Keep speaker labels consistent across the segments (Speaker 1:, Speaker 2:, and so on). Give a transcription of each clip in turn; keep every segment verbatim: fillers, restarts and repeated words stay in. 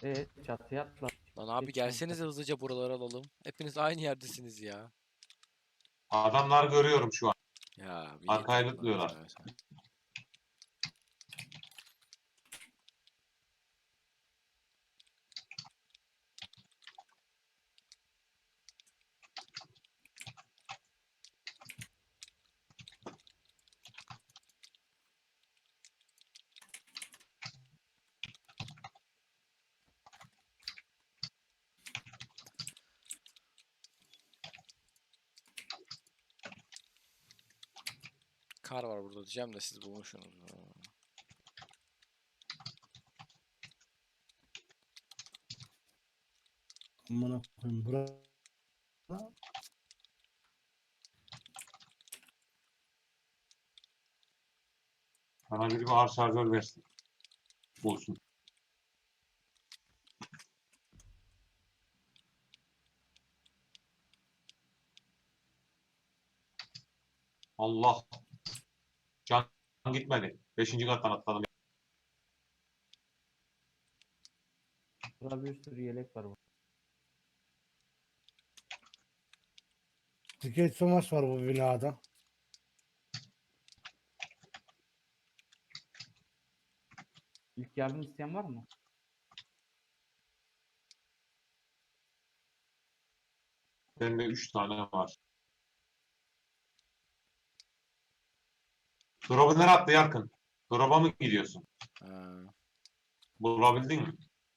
Speaker 1: Evet, çatıya atla.
Speaker 2: Lan abi
Speaker 1: Geç kanka.
Speaker 2: gelsenize hızlıca buraları alalım. Hepiniz aynı yerdesiniz ya.
Speaker 3: Adamlar görüyorum şu an.
Speaker 2: Ya bir git
Speaker 3: Arkaya
Speaker 2: Allah'ını
Speaker 3: lütluyorlar.
Speaker 2: seversen. Kar var burada diyeceğim de siz bulmuşsunuz.
Speaker 4: Amına koyayım bura.
Speaker 3: Bana biri bir ağır şarjör versin. Bulsun. Allah. Can gitmedi. Beşinci kattan atladım.
Speaker 1: Burada bir sürü yelek var.
Speaker 4: Tiket Thomas var bu binada.
Speaker 1: İlk yardım isteyen var mı?
Speaker 3: Bende üç tane var. Drop'u nereye attı Yarkın? Drop'a mı gidiyorsun?
Speaker 2: Ha.
Speaker 3: Bulabildin mi?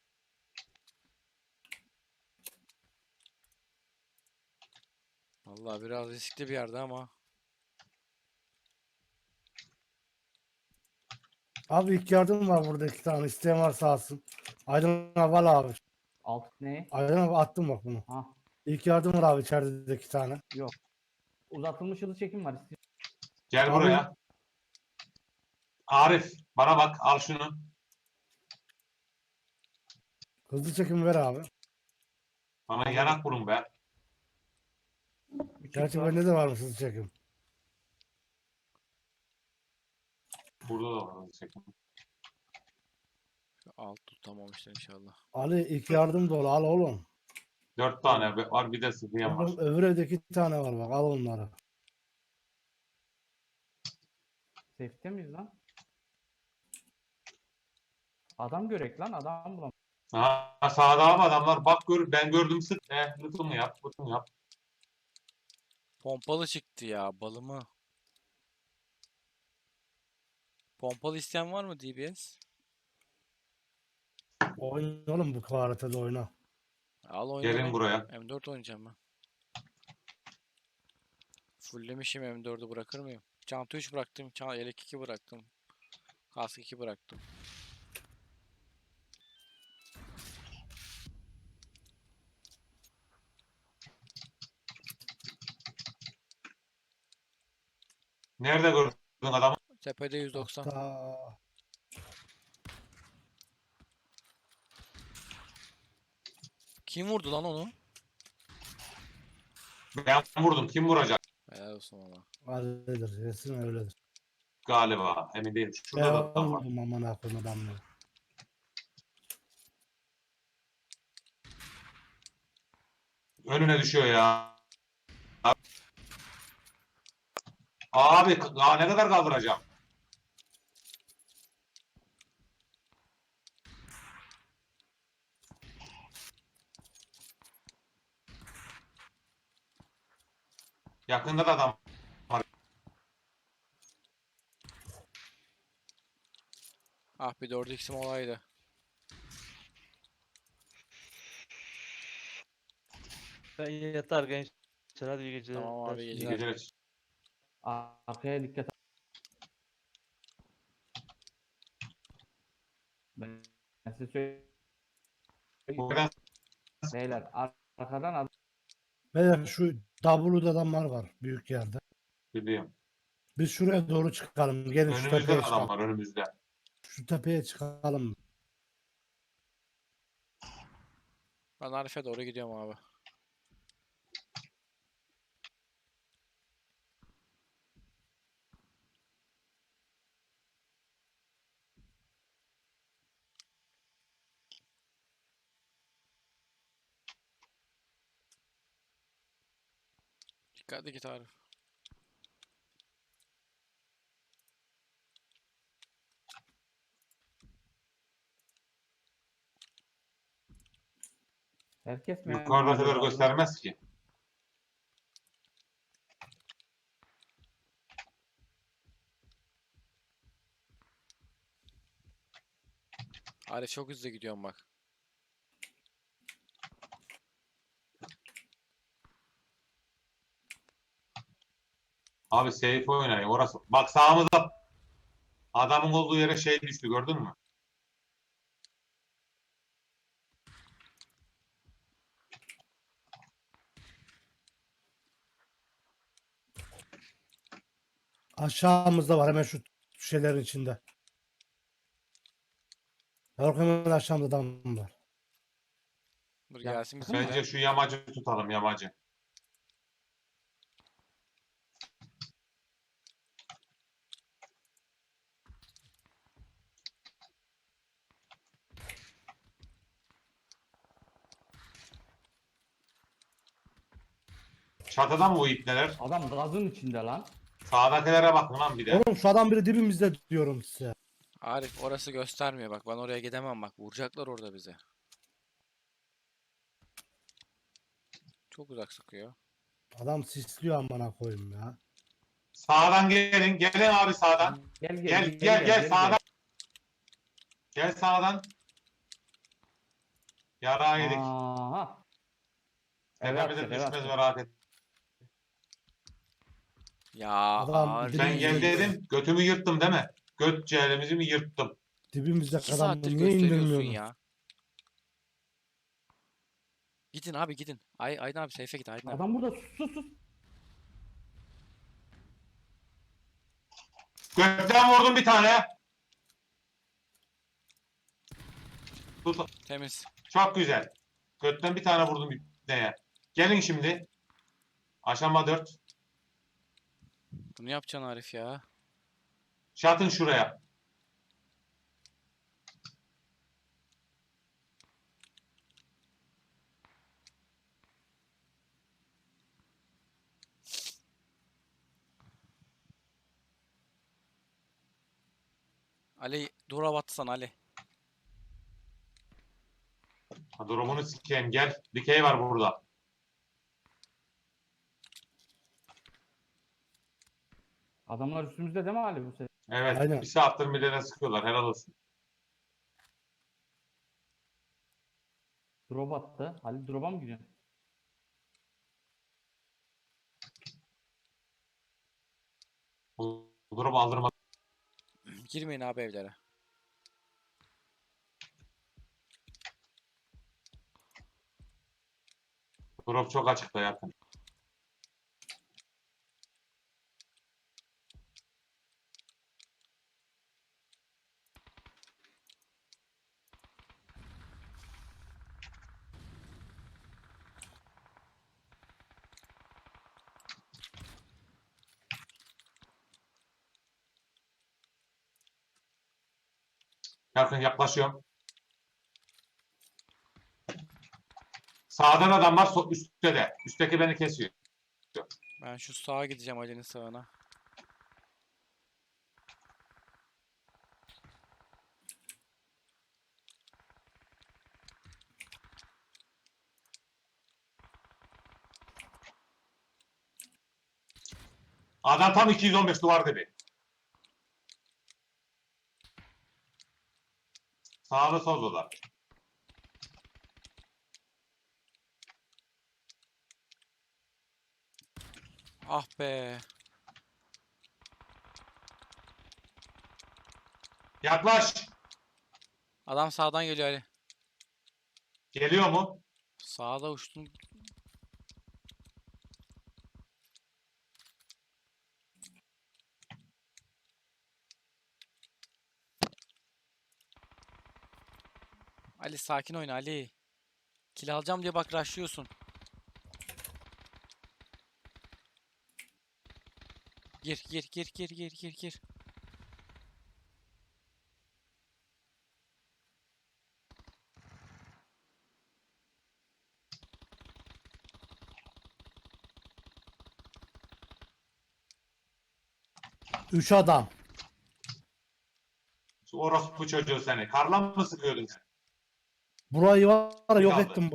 Speaker 2: Vallahi biraz riskli bir yerde ama.
Speaker 4: Abi ilk yardım var burada iki tane. İsteyen varsa alsın. Aydın abi al abi.
Speaker 1: Alt ne?
Speaker 4: Aydın abi attım bak bunu.
Speaker 1: Ha,
Speaker 4: İlk yardım var abi içeride de iki tane.
Speaker 1: yok. Uzatılmış hızlı çekim var. İstiyor.
Speaker 3: Gel
Speaker 4: Abi-
Speaker 3: buraya. Arif bana bak al şunu.
Speaker 4: Hızlı çekim ver abi.
Speaker 3: Bana yanak bulun be.
Speaker 1: Bir çift
Speaker 4: Gerçi
Speaker 1: var.
Speaker 4: bende de varmış hızlı çekim.
Speaker 3: Burada da var. Çekim.
Speaker 2: Alt tutamamışlar inşallah.
Speaker 4: Ali ilk yardım dolu al oğlum.
Speaker 3: Dört tane var bir de sıfıya var.
Speaker 4: Oğlum, öbür evde iki tane var bak al onları.
Speaker 1: Safe'te miyiz lan? Adam görek lan. Adam bulam.
Speaker 3: Ha, sağda abi adamlar bak gör ben gördüm sık. Eh lütfen yap lütfen yap.
Speaker 2: Pompalı çıktı ya balımı. Pompalı isteyen var mı D B S?
Speaker 4: Oyna oğlum bu haritada oyna.
Speaker 2: Al
Speaker 3: Gelin
Speaker 2: oynayalım.
Speaker 3: buraya.
Speaker 2: M dört oynayacağım ben. Fulllemişim M dördü bırakır mıyım? Çanta üç bıraktım. Çanta yelek iki bıraktım. Kask iki bıraktım.
Speaker 3: Nerede gördün adamı?
Speaker 2: Tepede yüz doksan.
Speaker 4: Ta...
Speaker 2: Kim vurdu lan onu?
Speaker 3: Ben vurdum. Kim vuracak?
Speaker 2: Helal olsun valla.
Speaker 4: Öyledir. Resim öyledir.
Speaker 3: Galiba. Emin değilim. Şurada da
Speaker 4: Ben
Speaker 3: adam var.
Speaker 4: vurdum amına koyayım adamları.
Speaker 3: Önüne düşüyor ya. Abi daha ne kadar kaldıracağım? Yakında da adam var.
Speaker 2: Ah bir dört x'im olaydı.
Speaker 5: Ben yatar gençler, hadi iyi geceler.
Speaker 2: Tamam abi, iyi
Speaker 3: İyi
Speaker 2: geceler.
Speaker 3: geceler.
Speaker 1: Arkaya dikkat. Ben ben size söyleyeyim.
Speaker 3: Buradan
Speaker 1: Beyler ar- arkadan adam.
Speaker 4: Beyler şu W'da adamlar var büyük yerde.
Speaker 3: biliyorum.
Speaker 4: Biz şuraya doğru çıkalım. Gelin şu
Speaker 3: Önümüzde
Speaker 4: tepeye
Speaker 3: de adam
Speaker 4: çıkalım.
Speaker 3: var önümüzde.
Speaker 4: Şu tepeye çıkalım.
Speaker 2: Ben Arif'e doğru gidiyorum abi. Dikkatli git Arif.
Speaker 1: Herkes mi?
Speaker 3: Yukarıda kadar göstermez ki.
Speaker 2: Arif çok hızlı gidiyorum bak.
Speaker 3: Abi safe oynayın orası. Bak sağımızda adamın olduğu yere şey düştü gördün mü?
Speaker 4: Aşağımızda var hemen şu şeylerin içinde. Yok hemen aşağımda adam var.
Speaker 2: Dur
Speaker 1: Ya,
Speaker 2: gelsin bizim
Speaker 3: Bence
Speaker 2: buraya.
Speaker 3: şu yamacı tutalım yamacı. Çatıda mı bu ipneler?
Speaker 1: Adam gazın içinde lan.
Speaker 3: Sağdakilere bakın lan bir de.
Speaker 4: Oğlum şu adam biri dibimizde diyorum size.
Speaker 2: Arif orası göstermiyor bak. Ben oraya gidemem bak. Vuracaklar orada bize. Çok uzak sıkıyor.
Speaker 4: Adam sisliyor amına koyayım ya.
Speaker 3: Sağdan gelin. Gelin abi sağdan.
Speaker 1: Gel gel
Speaker 3: Gel gel gel sağdan. Gel sağdan. Yarağı yedik.
Speaker 1: Aha.
Speaker 3: Tepemize
Speaker 1: Evet,
Speaker 3: düşmez
Speaker 1: evet.
Speaker 3: merak et.
Speaker 2: Ya
Speaker 4: Adam
Speaker 2: Arif.
Speaker 3: Ben gel dedim. Götümü yırttım değil mi? Göt cehalimizi mi yırttım?
Speaker 4: Dibimizde
Speaker 2: İki
Speaker 4: adam
Speaker 2: saattir
Speaker 4: niye
Speaker 2: gösteriyorsun
Speaker 4: indirmiyorsun?
Speaker 2: ya. Gidin abi gidin. Ay Aydın abi seyfe git Aydın abi.
Speaker 1: Adam burada sus sus sus.
Speaker 3: Götten vurdum bir tane. Tut.
Speaker 2: Temiz.
Speaker 3: Çok güzel. Götten bir tane vurdum bir neye. Gelin şimdi. Aşama dört.
Speaker 2: Bunu yapacaksın Arif ya.
Speaker 3: Şatın şuraya.
Speaker 2: Ali dura batsan Ali.
Speaker 3: Ha, durumunu sikeyim gel. Dikey var burada.
Speaker 1: Adamlar üstümüzde değil mi Ali bu sefer?
Speaker 3: Evet.
Speaker 4: Aynen.
Speaker 3: Bir saattir millete sıkıyorlar. Helal olsun.
Speaker 1: Drop attı. Ali drop'a mı gidiyorsun?
Speaker 3: Bu durumu aldırma.
Speaker 2: Girmeyin abi evlere.
Speaker 3: Drop çok açıkta yakın. Yakın yaklaşıyorum. Sağdan adam var. so- Üstte de. Üstteki beni kesiyor.
Speaker 2: Ben şu sağa gideceğim Ali'nin sağına.
Speaker 3: Adam tam iki yüz on beş duvar dibi. Sağda solda.
Speaker 2: Ah be.
Speaker 3: Yaklaş.
Speaker 2: Adam sağdan geliyor Ali.
Speaker 3: Geliyor mu?
Speaker 2: Sağda uçtun. Ali sakin oyna Ali. Kill alacağım diye bak rushlıyorsun. Gir gir gir gir gir gir gir.
Speaker 4: Üç adam.
Speaker 3: Orospu çocuğu seni. Karla mı sıkıyordun sen?
Speaker 4: Burayı var ya,
Speaker 3: Bir
Speaker 4: yok
Speaker 3: kaldı.
Speaker 4: ettim. bu-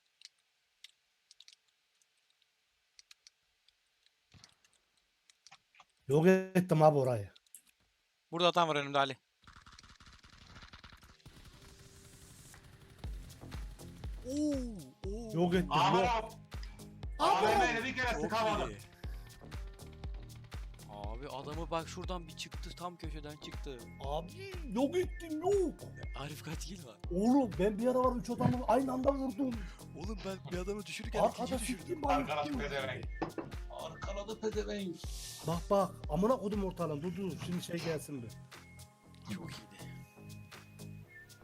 Speaker 4: Yok ettim abi orayı.
Speaker 2: Burada adam var önümde Ali.
Speaker 4: Yok ettim.
Speaker 3: Aman
Speaker 4: Yok.
Speaker 3: abi. A V M'yle bir kere sıkamadım.
Speaker 2: Abi adamı bak şuradan bir çıktı, tam köşeden çıktı.
Speaker 4: Abi yok ettim yok.
Speaker 2: Arif kaç kill var?
Speaker 4: Oğlum ben bir ara var üç adamı aynı anda vurdum.
Speaker 2: Oğlum ben bir adamı düşürürken
Speaker 4: Arkada
Speaker 2: ikinci düşürdüm.
Speaker 4: siktim bana.
Speaker 3: Arkadaş pezevenk. Arkaladı pezevenk.
Speaker 4: Bak bak amına kodum ortalığım dur dur şimdi şey gelsin bir.
Speaker 2: Çok iyiydi.